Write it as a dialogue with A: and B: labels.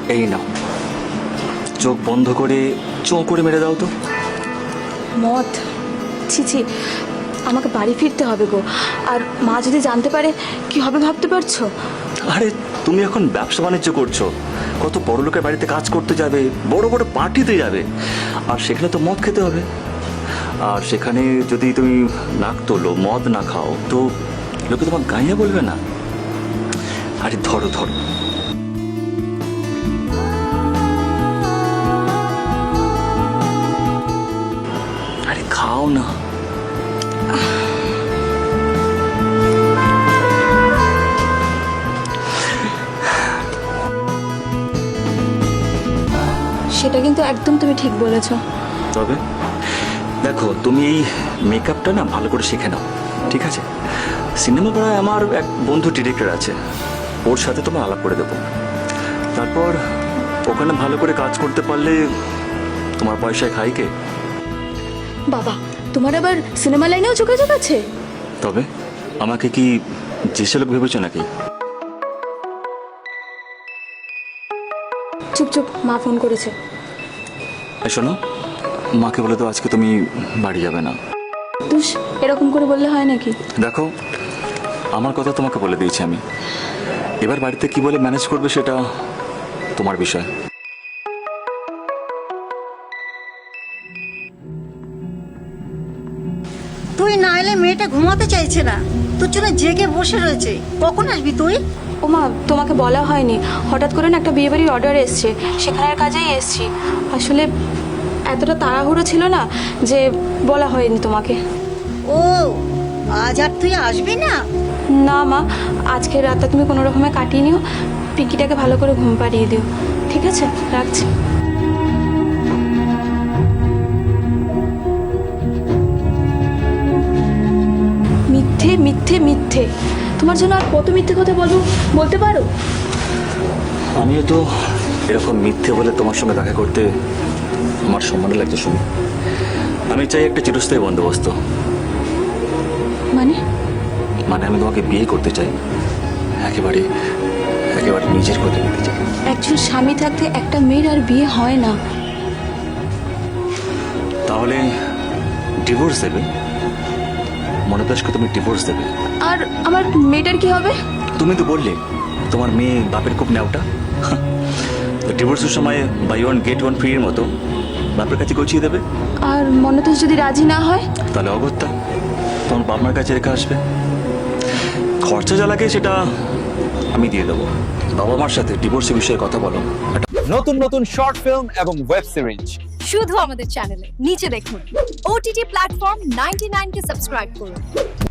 A: এই নাও, চোখ বন্ধ করে চোখ করে মেরে দাও তো।
B: মদ? ছি ছি, আমাকে বাড়ি ফিরতে হবে গো। আর মা যদি জানতে পারে কি হবে ভাবতে পারছো?
A: আরে তুমি এখন ব্যবসা বাণিজ্য করছো, কত বড় লোকের বাড়িতে কাজ করতে যাবে, বড় বড় পার্টিতে যাবে, আর সেখানে তো মদ খেতে হবে। আর সেখানে যদি তুমি নাক তোলো, মদ না খাও, তো লোকে তোমার গাইয়া বলবে না? আরে ধরো ধরো। আরে খাও না।
B: সেটা কিন্তু একদম তুমি ঠিক বলেছো।
A: তবে দেখো, তুমি এই মেকআপটা না ভালো করে শিখে নাও, ঠিক আছে? সিনেমা পাড়ায় আমার এক বন্ধু ডিরেক্টর আছে, ওর সাথে তোমার আলাপ করে দেবো। তারপর ওখানে ভালো করে কাজ করতে পারলে তোমার পয়সায় খাই কে?
B: বাবা, তোমার আবার সিনেমা লাইনেও যোগাযোগ আছে?
A: তবে আমাকে কি যে লোক ভেবেছো নাকি?
B: চুপ চুপ, মা ফোন করেছে।
A: এই শোনো, মাকে বলে তো আজকে তুমি বাড়ি যাবে না।
B: তুষ, এরকম করে বললে হয় নাকি?
A: দেখো, আমার কথা তোমাকে বলে দিয়েছি আমি, এবার বাড়িতে কি বলে ম্যানেজ করবে সেটা তোমার বিষয়।
C: তুই না এলে মেয়েটা ঘুমাতে চাইছে না, তোর জন্য জেগে বসে রয়েছে। কখন আসবি তুই?
B: ও মা, তোমাকে বলা হয়নি, হঠাৎ করে না একটা বিয়েবাড়ির অর্ডার এসছে, সেখানের কাজেই এসছি। আসলে এতটা তাড়াহুড়ো ছিল না যে বলা হয়নি তোমাকে।
C: ও, আজ আর তুই আসবি না?
B: না মা, আজকের রাতটা তুমি কোনো রকমে কাটিয়ে নিও, পিঙ্কিটাকে ভালো করে ঘুম পাড়িয়ে দিও, ঠিক আছে? রাখছি। মিথ্যে মিথ্যে মিথ্যে, তোমার জন্য আর কত মিথ্যে কথা বলতে পারো?
A: আমিও তো এরকম মিথ্যে বলে তোমার সঙ্গে দেখা করতে আমার সম্মান লাগছে শুনি। আমি চাই একটা চিরস্থায়ী বন্দোবস্ত।
B: মানে?
A: মানে আমি তোমাকে বিয়ে করতে চাই, একেবারে একেবারে নিজের করে নিতে চাই।
B: একজন স্বামী থাকতে একটা মেয়ের আর বিয়ে হয় না।
A: তাহলে ডিভোর্স দেবে? মনোতাজকে তুমি ডিভোর্স দেবে?
B: আর আমার মেয়েটার কি হবে?
A: তুমি তো বললে তোমার মেয়ে বাপের খুব নেওটা। ডিভোর্সের সময় buy one get one free এর মতো বাপের কাছে গছিয়ে দেবে।
B: আর মনোতাজ যদি রাজি না হয়?
A: তাহলে অগত্যা তোমার বাপ মার কাছে রেখে আসবে। খরচা যা লাগে সেটা আমি দিয়ে দেবো। বাবা মার সাথে ডিভোর্সের বিষয়ে কথা বলো।
D: নতুন নতুন শর্ট ফিল্ম এবং ওয়েব সিরিজ
E: শুধু আমাদের চ্যানেলে নিচে দেখুন। OTT প্ল্যাটফর্ম 99 কে সাবস্ক্রাইব করুন।